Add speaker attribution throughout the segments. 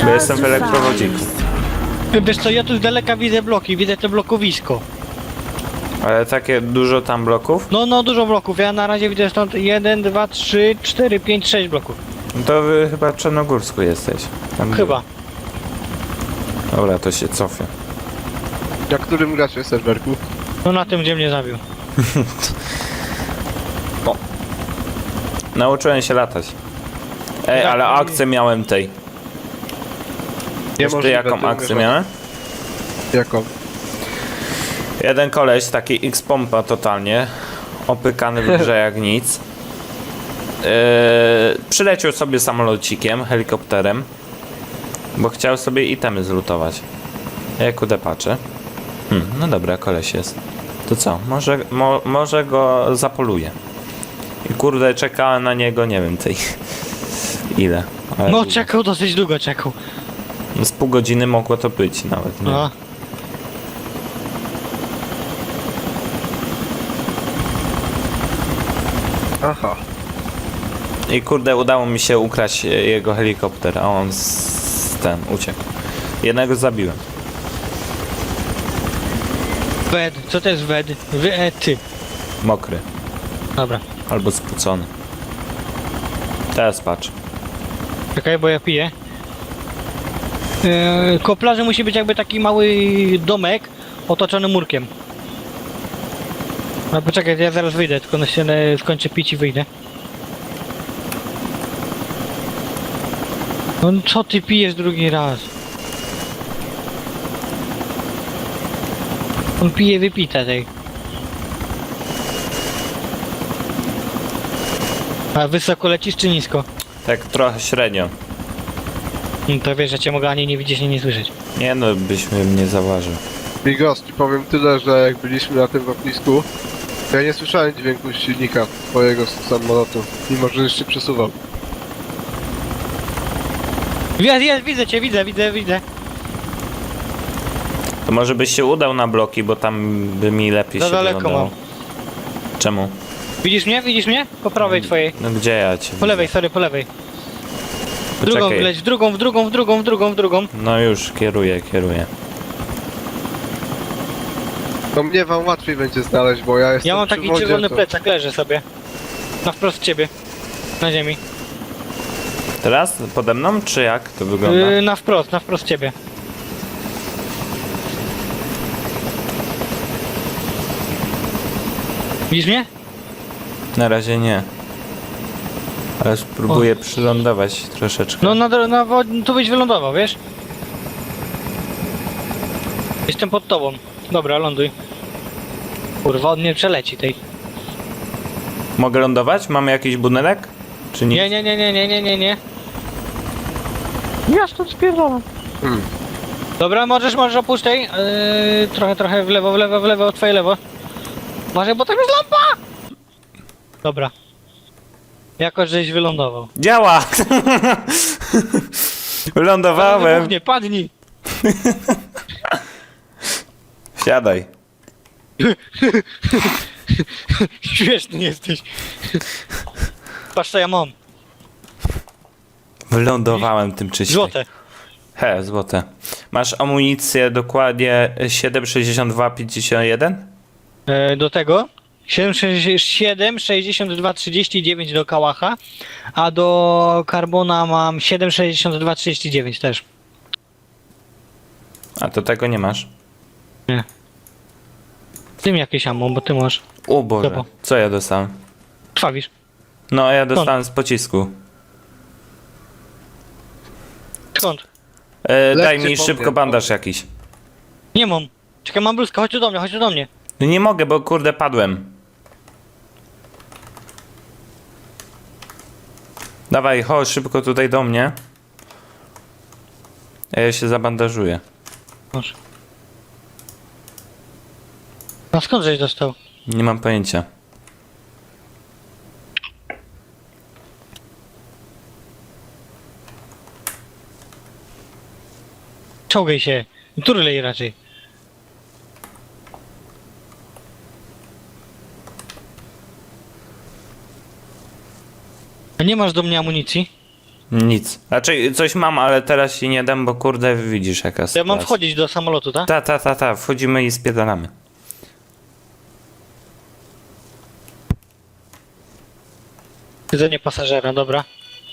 Speaker 1: Bo jestem w elektrowodziku.
Speaker 2: Wiesz co, ja tu z daleka widzę bloki, widzę te blokowisko.
Speaker 1: Ale takie dużo tam bloków?
Speaker 2: No, dużo bloków. Ja na razie widzę stąd 1, 2, 3, 4, 5, 6 bloków.
Speaker 1: No to wy chyba w Czarnogórsku jesteś. Tam
Speaker 2: Chyba.
Speaker 1: Dobra, to się cofię.
Speaker 3: Na którym gracie serwerku?
Speaker 2: No na tym, gdzie mnie zabił.
Speaker 1: Nauczyłem się latać. Ej,
Speaker 2: Jak
Speaker 1: ale
Speaker 2: to
Speaker 1: akcję miałem tej. Wiesz ty jaką akcję miałem?
Speaker 3: Jaką?
Speaker 1: Jeden koleś, taki X-pompa totalnie, opykany w grze jak nic. Przyleciał sobie samolocikiem, helikopterem, bo chciał sobie itemy zlutować. Ja kudę patrzę. No dobra, koleś jest. To co? Może go zapoluję. I kurde, czekałem na niego, nie wiem tej... Ile. Ale
Speaker 2: No
Speaker 1: długo.
Speaker 2: czekał, dosyć długo czekał.
Speaker 1: No z pół godziny mogło to być nawet, nie?
Speaker 2: No.
Speaker 3: Aha.
Speaker 1: I kurde, udało mi się ukraść jego helikopter, a on ten uciekł. Jednego zabiłem.
Speaker 2: Wed, co to jest wed? Ty.
Speaker 1: Mokry.
Speaker 2: Dobra.
Speaker 1: Albo spłucony. Teraz patrz.
Speaker 2: Czekaj, bo ja piję. Koło plaży musi być jakby taki mały domek otoczony murkiem. No poczekaj, ja zaraz wyjdę, tylko na ścianę skończę pić i wyjdę. No co ty pijesz drugi raz? On pije wypite tej. A wysoko lecisz czy nisko?
Speaker 1: Tak trochę średnio.
Speaker 2: No to wiesz, że cię mogę ani nie widzieć, ani nie słyszeć.
Speaker 1: Nie no, byśmy mnie zauważył.
Speaker 3: Bigos, ci powiem tyle, że jak byliśmy na tym lotnisku, to ja nie słyszałem dźwięku silnika twojego samolotu, mimo że już się przesuwał.
Speaker 2: Jest, widzę cię, widzę.
Speaker 1: To może byś się udał na bloki, bo tam by mi lepiej
Speaker 2: Za
Speaker 1: się
Speaker 2: daleko
Speaker 1: wyglądało.
Speaker 2: mam.
Speaker 1: Czemu?
Speaker 2: Widzisz mnie? Widzisz mnie? Po prawej twojej.
Speaker 1: No gdzie ja cię
Speaker 2: Po
Speaker 1: widzę?
Speaker 2: lewej, sorry, po lewej. W drugą
Speaker 1: Poczekaj.
Speaker 2: wleć, w drugą.
Speaker 1: No już, kieruję.
Speaker 3: No mnie wam łatwiej będzie znaleźć, bo ja jestem
Speaker 2: Ja mam
Speaker 3: przy
Speaker 2: taki
Speaker 3: wodzie,
Speaker 2: czerwony
Speaker 3: to-
Speaker 2: plecak, leży sobie. Na wprost ciebie. Na ziemi.
Speaker 1: Teraz? Pode mną, czy jak to wygląda?
Speaker 2: Na wprost ciebie. Widzisz mnie?
Speaker 1: Na razie nie. Ale spróbuję przylądować troszeczkę.
Speaker 2: No tu byś wylądował, wiesz? Jestem pod tobą. Dobra, ląduj. Kurwa, on nie przeleci tej.
Speaker 1: Mogę lądować? Mamy jakiś budynek? Czy nie?
Speaker 2: Nie. Ja stąd spierdolam.
Speaker 3: Hmm.
Speaker 2: Dobra, możesz opuść tej. Trochę w lewo, twoje lewo. Może, bo tam jest lampa! Dobra. Jakoś żeś wylądował.
Speaker 1: Działa! Wylądowałem!
Speaker 2: Nie, padnij!
Speaker 1: Siadaj.
Speaker 2: Śmieszny jesteś. Patrz co ja mam.
Speaker 1: Wylądowałem tym czyściem.
Speaker 2: Złote.
Speaker 1: Złote. Masz amunicję dokładnie 7,62,51?
Speaker 2: Do tego 7, 62, 39 do kałacha, a do karbona mam 7, 62, 39 też.
Speaker 1: A to tego nie masz?
Speaker 2: Ty mi jakieś ammo, bo ty masz.
Speaker 1: O Boże,
Speaker 2: Dobra.
Speaker 1: co ja dostałem?
Speaker 2: Krwawisz.
Speaker 1: No, ja dostałem z pocisku.
Speaker 2: Skąd?
Speaker 1: Daj
Speaker 3: Lekcje
Speaker 1: mi szybko
Speaker 3: powiem.
Speaker 1: bandaż jakiś.
Speaker 2: Nie mam. Czekaj, mam bluzkę, chodź tu do mnie.
Speaker 1: No nie mogę, bo kurde padłem. Dawaj, chodź szybko tutaj do mnie. A ja się zabandażuję.
Speaker 2: Masz. A skąd żeś dostał?
Speaker 1: Nie mam pojęcia.
Speaker 2: Czołgaj się. Turlej raczej. A nie masz do mnie amunicji?
Speaker 1: Nic. Raczej coś mam, ale teraz ci nie dam, bo kurde widzisz jaka
Speaker 2: Ja
Speaker 1: sytuacja.
Speaker 2: mam wchodzić do samolotu, tak?
Speaker 1: Ta. Wchodzimy i spiedalamy.
Speaker 2: Siedzenie pasażera, dobra.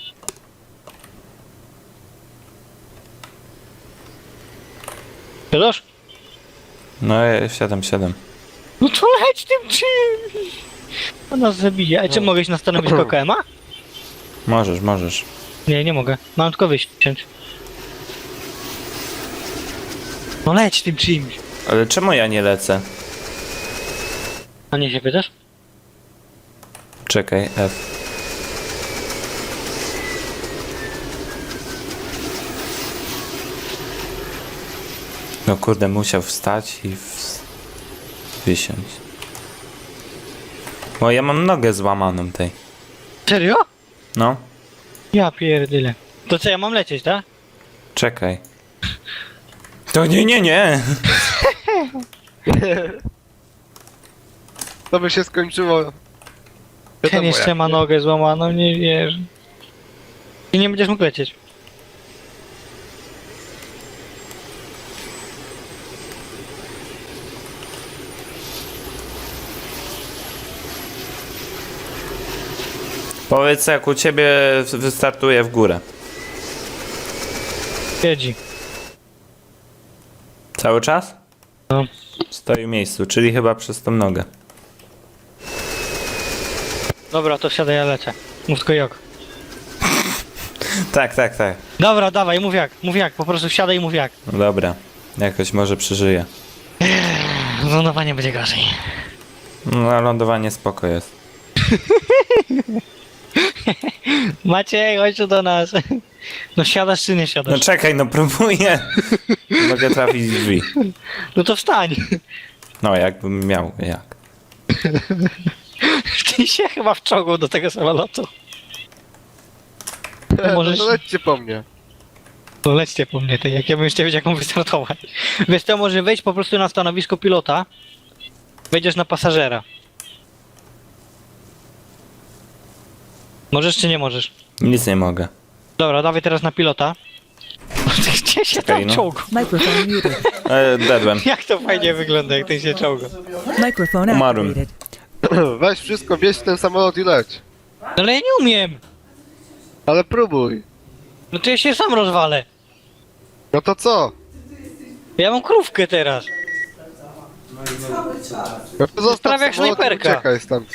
Speaker 2: Siadasz?
Speaker 1: No ja siadam.
Speaker 2: No to leć tym czymś! On nas zabije. A czy mogę iść na stanowisko KM-a?
Speaker 1: Możesz.
Speaker 2: Nie mogę. Mam tylko wyściąć. No leć tym czymś.
Speaker 1: Ale czemu ja nie lecę?
Speaker 2: A nie się pytasz?
Speaker 1: Czekaj, F. No kurde, musiał wstać i wysiąść. Bo ja mam nogę złamaną tej.
Speaker 2: Serio?
Speaker 1: No,
Speaker 2: Ja pierdyle. To co, ja mam lecieć, tak?
Speaker 1: czekaj. To nie.
Speaker 3: To by się skończyło.
Speaker 2: Ten
Speaker 3: Wiadomo
Speaker 2: jeszcze
Speaker 3: jak,
Speaker 2: ma
Speaker 3: nie?
Speaker 2: nogę złamaną, nie wierzę. I nie będziesz mógł lecieć.
Speaker 1: Powiedz jak u ciebie wystartuje w górę.
Speaker 2: Siedzi.
Speaker 1: Cały czas?
Speaker 2: No.
Speaker 1: Stoi w miejscu, czyli chyba przez tą nogę.
Speaker 2: Dobra, to wsiadaj, ja lecę. Mów tylko jak.
Speaker 1: Tak.
Speaker 2: Dobra, dawaj, mów jak, po prostu wsiadaj i mów jak.
Speaker 1: No dobra, jakoś może przeżyję.
Speaker 2: Lądowanie będzie gorzej.
Speaker 1: No lądowanie spoko jest.
Speaker 2: Maciej, chodź tu do nas. No siadasz czy nie
Speaker 1: No
Speaker 2: siadasz?
Speaker 1: czekaj, no próbuję. Mogę trafić w drzwi.
Speaker 2: No to wstań.
Speaker 1: No jakbym miał, jak?
Speaker 2: Ty się chyba wczołgał do tego samolotu.
Speaker 3: No
Speaker 2: możesz-
Speaker 3: to lećcie po mnie.
Speaker 2: To lećcie po mnie, ty, jak ja bym jeszcze wiedział jaką wystartować. Wiesz to może wejść po prostu na stanowisko pilota. Wejdziesz na pasażera. Możesz czy nie możesz?
Speaker 1: Nic nie mogę.
Speaker 2: Dobra, dawaj teraz na pilota. Gdzie się
Speaker 1: Czekaj,
Speaker 2: tam
Speaker 1: no.
Speaker 2: czołgał?
Speaker 4: Microphone muted.
Speaker 1: Dedłem.
Speaker 2: Jak to fajnie wygląda, jak ty się czołga.
Speaker 4: Microphone
Speaker 1: Umarłem.
Speaker 4: activated.
Speaker 3: Weź wszystko, wieź w ten samolot i leć.
Speaker 2: No ale ja nie umiem.
Speaker 3: Ale próbuj.
Speaker 2: No to ja się sam rozwalę.
Speaker 3: No to co?
Speaker 2: Ja mam krówkę teraz.
Speaker 3: No to zostaw
Speaker 2: Prawie jak
Speaker 3: samolot i
Speaker 2: snajperka.
Speaker 3: uciekaj stamtąd.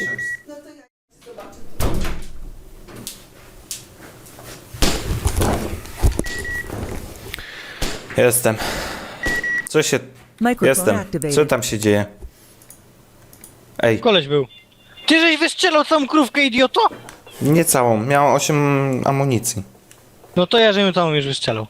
Speaker 1: Jestem. Co się...
Speaker 4: Microphone
Speaker 1: Jestem. Co
Speaker 4: activated.
Speaker 1: tam się dzieje? Ej,
Speaker 2: Koleś był. Ty żeś wystrzelał całą krówkę, idioto?
Speaker 1: nie całą. Miałem 8 amunicji.
Speaker 2: No to ja żebym całą już wystrzelał.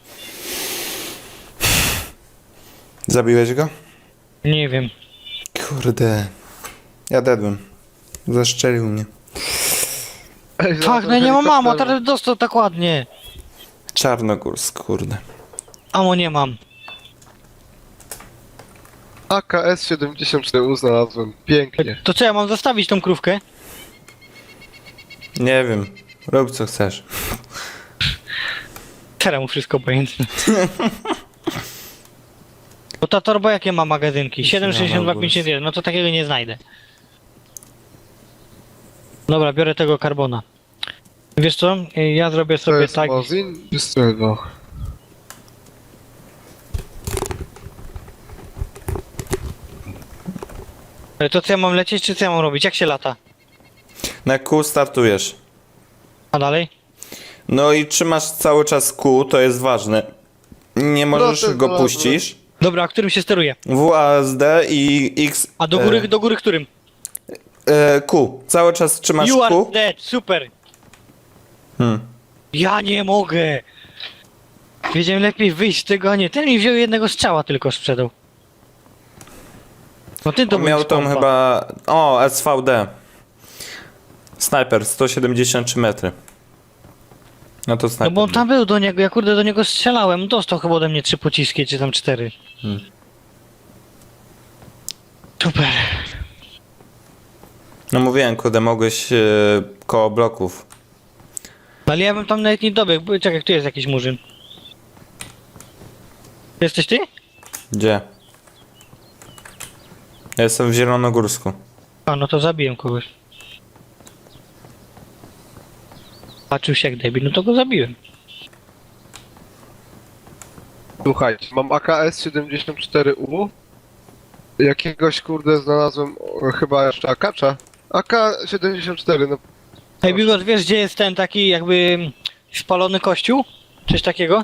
Speaker 1: Zabiłeś go?
Speaker 2: Nie wiem.
Speaker 1: Kurde. Ja dedłem. Zaszczelił mnie.
Speaker 3: Ej,
Speaker 2: Tak,
Speaker 3: znalazłem
Speaker 2: no ja nie mam mamo,
Speaker 3: helikopter.
Speaker 2: teraz dostał tak ładnie.
Speaker 1: Czarnogórsk, kurde.
Speaker 2: Amo nie mam.
Speaker 3: AKS-74 znalazłem. Pięknie.
Speaker 2: To co, ja mam zostawić tą krówkę?
Speaker 1: Nie wiem. Rób co chcesz.
Speaker 2: Teraz mu wszystko obojętne. Bo ta torba jakie ma magazynki? 7,62,51, no to takiego nie znajdę. Dobra, biorę tego karbona. Wiesz co? Ja zrobię
Speaker 3: To
Speaker 2: sobie
Speaker 3: jest
Speaker 2: tak.
Speaker 3: Mozin czy Strzelbo?
Speaker 2: To co ja mam lecieć, czy co ja mam robić? Jak się lata?
Speaker 1: Na kół startujesz.
Speaker 2: A dalej?
Speaker 1: No i trzymasz cały czas kół, to jest ważne. Nie możesz
Speaker 3: to jest
Speaker 1: go
Speaker 3: ważne.
Speaker 1: puścisz.
Speaker 2: Dobra, a którym się steruje?
Speaker 1: WASD i X.
Speaker 2: A do góry którym?
Speaker 1: Q. Cały czas trzymasz
Speaker 2: You are
Speaker 1: Q.
Speaker 2: dead, super!
Speaker 1: Hmm.
Speaker 2: Ja nie mogę! Wiedziałem lepiej wyjść z tego, a nie. Ten mi wziął jednego strzała tylko sprzedał. No ty to
Speaker 1: On
Speaker 2: był
Speaker 1: miał tą
Speaker 2: skąpa.
Speaker 1: chyba... O, SVD. Snajper, 173 metry. No to
Speaker 2: No
Speaker 1: snajper.
Speaker 2: bo on tam był do niego, ja kurde do niego strzelałem. Dostał chyba ode mnie 3 pociski, czy tam 4.
Speaker 1: Hmm.
Speaker 2: Super.
Speaker 1: No mówiłem, kurde, mogłeś koło bloków
Speaker 2: Ale ja bym tam nawet nie dobiegł, bo czekaj, tu jest jakiś murzyn. Jesteś ty?
Speaker 1: Gdzie? Ja jestem w Zielonogórsku.
Speaker 2: A, no to zabiłem kogoś. Patrzył się jak debil, no to go zabiłem.
Speaker 3: Słuchajcie, mam AKS-74U. Jakiegoś kurde znalazłem chyba jeszcze akacza. AK-74, no
Speaker 2: Ej, Bigos, wiesz gdzie jest ten taki jakby spalony kościół? Coś takiego?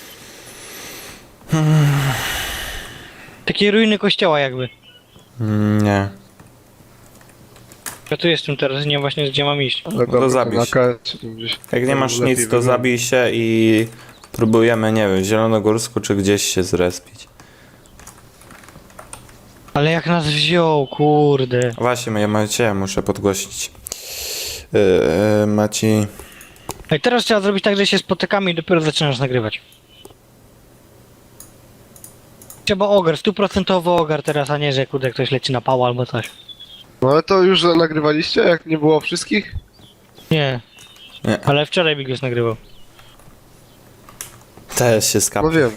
Speaker 2: Takie ruiny kościoła jakby.
Speaker 1: Nie.
Speaker 2: Ja tu jestem teraz, nie wiem właśnie gdzie mam iść.
Speaker 3: ale
Speaker 1: to
Speaker 3: dobra,
Speaker 1: zabij
Speaker 3: ten
Speaker 1: się.
Speaker 3: AK-70.
Speaker 1: Jak nie masz
Speaker 3: lepiej
Speaker 1: nic, to
Speaker 3: wygląda.
Speaker 1: zabij się i próbujemy, nie wiem, w Zielonogórsku czy gdzieś się zrespić.
Speaker 2: Ale jak nas wziął, kurde.
Speaker 1: Właśnie, ja muszę podgłosić. Maci...
Speaker 2: Ej, teraz trzeba zrobić tak, że się spotykamy i dopiero zaczynasz nagrywać. Trzeba ogar, 100% ogar teraz, a nie, że kurde ktoś leci na pała albo coś.
Speaker 3: No ale to już nagrywaliście, jak nie było wszystkich?
Speaker 2: Nie.
Speaker 1: Nie.
Speaker 2: Ale wczoraj Bigos nagrywał.
Speaker 1: Też się skapał.
Speaker 3: No wiem.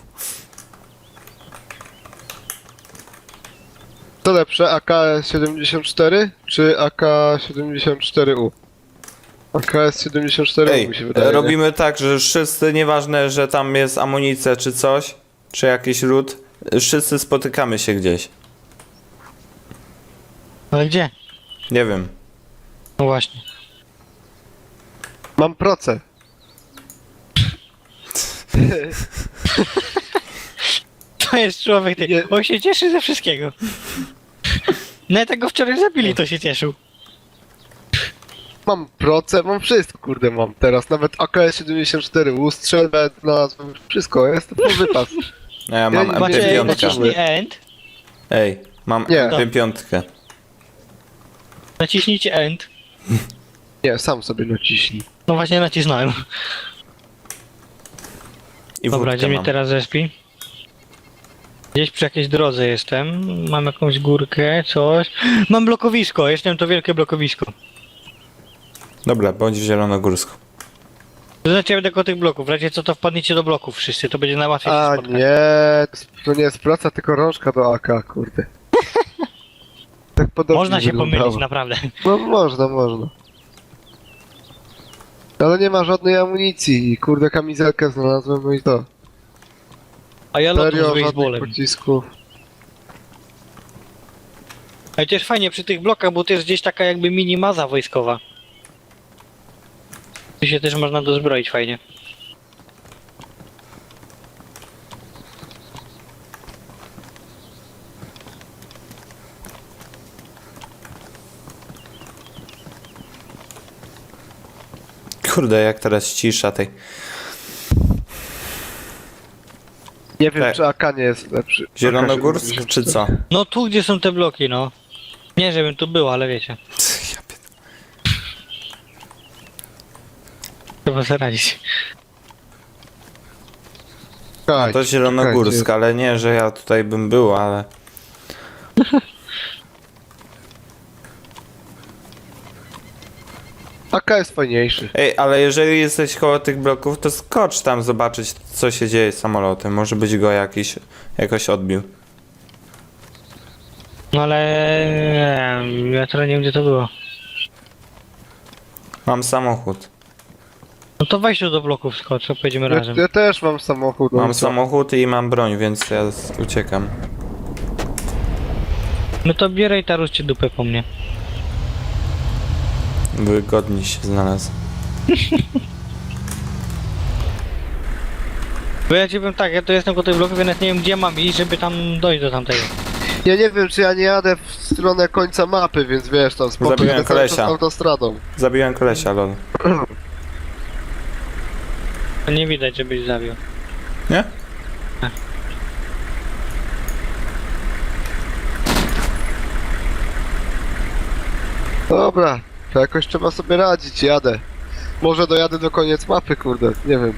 Speaker 3: Co lepsze, AK-74 czy AK-74U? AKS-74U
Speaker 1: Ej,
Speaker 3: mi się wydaje. nie?
Speaker 1: robimy tak, że wszyscy, nieważne, że tam jest amunicja czy coś, czy jakiś ród, wszyscy spotykamy się gdzieś.
Speaker 2: Ale gdzie?
Speaker 1: Nie wiem.
Speaker 2: No właśnie.
Speaker 3: Mam proce.
Speaker 2: To jest człowiek, ty.
Speaker 3: Nie.
Speaker 2: On się cieszy ze wszystkiego. No tego wczoraj zabili, to się cieszył.
Speaker 3: Mam proce, mam wszystko, kurde mam teraz. Nawet AKS-74U, strzelbę znalazłem, wszystko, jest to full wypas.
Speaker 1: No ja mam
Speaker 3: Ja-
Speaker 2: Macie
Speaker 3: MP5.
Speaker 2: naciśnij end.
Speaker 1: Ej, mam
Speaker 3: Nie.
Speaker 1: MP5.
Speaker 2: Naciśnijcie end.
Speaker 3: Nie, sam sobie naciśnij.
Speaker 2: No właśnie nacisnąłem.
Speaker 1: I
Speaker 2: Dobra,
Speaker 1: wódkę
Speaker 2: gdzie mnie
Speaker 1: mam.
Speaker 2: teraz respi? Gdzieś przy jakiejś drodze jestem. Mam jakąś górkę, coś. Mam blokowisko, jestem to wielkie blokowisko.
Speaker 1: Dobra, bądź w Zielonogórsku.
Speaker 2: To znaczy ja będę koło tych bloków. W razie co to wpadniecie do bloków wszyscy, to będzie najłatwiej się
Speaker 3: A
Speaker 2: spotkać.
Speaker 3: nie, to nie jest praca, tylko rączka do AK, kurde. Tak podobnie
Speaker 2: Można się
Speaker 3: wyglądało.
Speaker 2: pomylić, naprawdę.
Speaker 3: No można. Ale nie ma żadnej amunicji i kurde kamizelkę znalazłem, no i to.
Speaker 2: A ja lotu z
Speaker 3: Serio, żadnych
Speaker 2: baseballem.
Speaker 3: pocisków.
Speaker 2: Ale też fajnie przy tych blokach, bo to jest gdzieś taka jakby mini maza wojskowa. Tu się też można dozbroić fajnie.
Speaker 1: Kurde, jak teraz cisza tej.
Speaker 3: Nie wiem,
Speaker 1: Tak.
Speaker 3: czy AK nie jest lepszy.
Speaker 1: Zielonogórsk
Speaker 3: AK-74.
Speaker 1: czy co?
Speaker 2: No tu gdzie są te bloki, no. Nie żebym tu był, ale wiecie.
Speaker 1: Ja pier-
Speaker 2: Trzeba sobie radzić.
Speaker 3: Czekajcie,
Speaker 1: To Zielonogórsk, ale nie, że ja tutaj bym był, ale...
Speaker 3: AK jest fajniejszy.
Speaker 1: Ej, ale jeżeli jesteś koło tych bloków, to skocz tam zobaczyć, co się dzieje z samolotem. Może być go jakoś odbił.
Speaker 2: No ale ja teraz nie wiem gdzie to było.
Speaker 1: Mam samochód.
Speaker 2: No to weź tu do bloków skocz, to pojedziemy razem.
Speaker 3: Ja też mam samochód. no
Speaker 1: Mam
Speaker 3: i co?
Speaker 1: samochód i mam broń, więc ja uciekam.
Speaker 2: No to bieraj i taruszcie dupę po mnie.
Speaker 1: Wygodnie się znalazł.
Speaker 2: Bo ja ci powiem tak, ja to jestem koło tych bloków, ja nawet nie wiem gdzie mam iść, żeby tam dojść do tamtego.
Speaker 3: Ja nie wiem, czy ja nie jadę w stronę końca mapy, więc wiesz, tam spokojnie
Speaker 1: Zabiłem
Speaker 3: cały czas
Speaker 1: kolesia.
Speaker 3: autostradą.
Speaker 1: Zabiłem kolesia, lol.
Speaker 2: To nie widać, żebyś zabił.
Speaker 1: Nie?
Speaker 3: Dobra, to jakoś trzeba sobie radzić, jadę. Może dojadę do koniec mapy, kurde, nie wiem.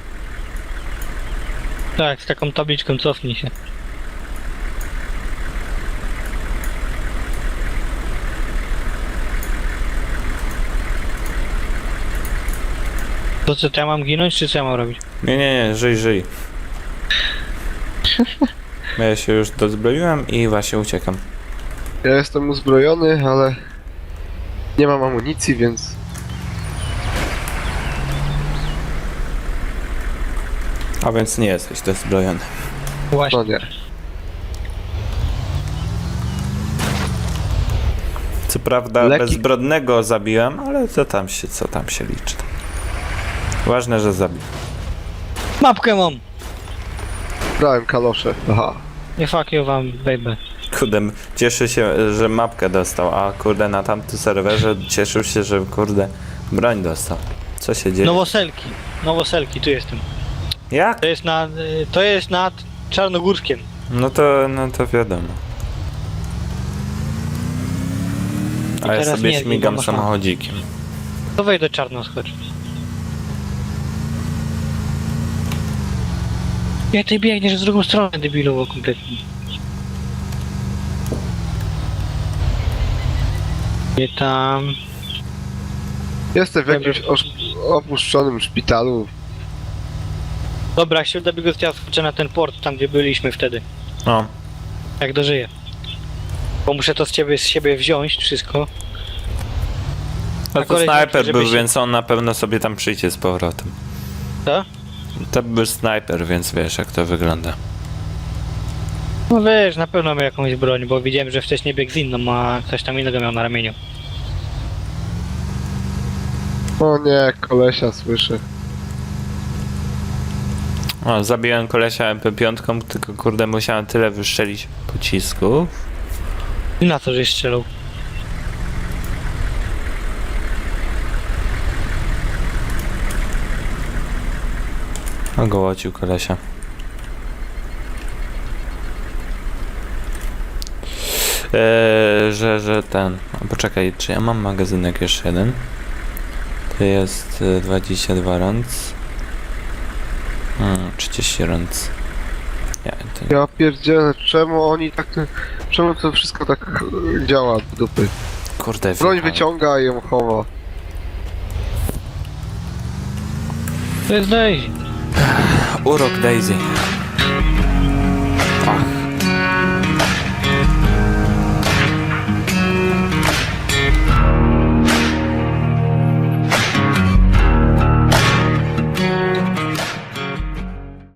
Speaker 2: Tak, z taką tabliczką cofnij się. To co, to ja mam ginąć, czy co ja mam robić?
Speaker 1: Nie, żyj. Ja się już dozbroiłem i właśnie uciekam.
Speaker 3: Ja jestem uzbrojony, ale nie mam amunicji, więc
Speaker 1: A więc nie jesteś dozbrojony.
Speaker 2: Właśnie.
Speaker 3: no nie.
Speaker 1: Co prawda
Speaker 3: Leki-
Speaker 1: bezbrodnego zabiłem, ale co tam się liczy. Ważne, że zabił.
Speaker 2: Mapkę mam!
Speaker 3: Brałem kalosze. Aha.
Speaker 2: Nie fuck you wam, baby.
Speaker 1: Kurde, cieszy się, że mapkę dostał, a kurde na tamtym serwerze cieszył się, że kurde broń dostał. Co się dzieje?
Speaker 2: Nowoselki, tu jestem.
Speaker 1: Jak?
Speaker 2: To jest nad Czarnogórskiem.
Speaker 1: No to wiadomo. A ja
Speaker 2: teraz
Speaker 1: sobie
Speaker 2: nie,
Speaker 1: śmigam
Speaker 2: nie ma
Speaker 1: samochodzikiem.
Speaker 2: To wejdź do Czarnoskocz. Jak ty biegniesz w drugą stronę, debilowo kompletnie. Nie tam...
Speaker 3: Jestem w jakimś opuszczonym szpitalu.
Speaker 2: Dobra, jak się uda biegać, ja skoczę na ten port, tam gdzie byliśmy wtedy.
Speaker 1: No,
Speaker 2: Jak dożyję. Bo muszę to z siebie wziąć, wszystko.
Speaker 1: no
Speaker 2: A
Speaker 1: to
Speaker 2: koleś
Speaker 1: snajper
Speaker 2: mówi, żeby
Speaker 1: był,
Speaker 2: się-
Speaker 1: więc on na pewno sobie tam przyjdzie z powrotem.
Speaker 2: Co?
Speaker 1: To był snajper, więc wiesz jak to wygląda.
Speaker 2: No wiesz, na pewno miał jakąś broń, bo widziałem, że wcześniej biegł z inną, a coś tam innego miał na ramieniu.
Speaker 3: O nie, kolesia słyszę.
Speaker 1: O, zabiłem kolesia MP5, tylko kurde musiałem tyle wystrzelić pocisków.
Speaker 2: I na co, żeś strzelał?
Speaker 1: Ogołocił kolesia. Że ten... O, poczekaj, czy ja mam magazynek jeszcze jeden? To jest 22 rąc. 30 rąc. Nie, to nie.
Speaker 3: Ja pierdzielę, czemu oni tak... Czemu to wszystko tak działa w dupy?
Speaker 1: Kurde,
Speaker 3: Broń
Speaker 1: wjechałem.
Speaker 3: wyciąga i ją chowa.
Speaker 2: To jest Daisy.
Speaker 1: Urok Daisy.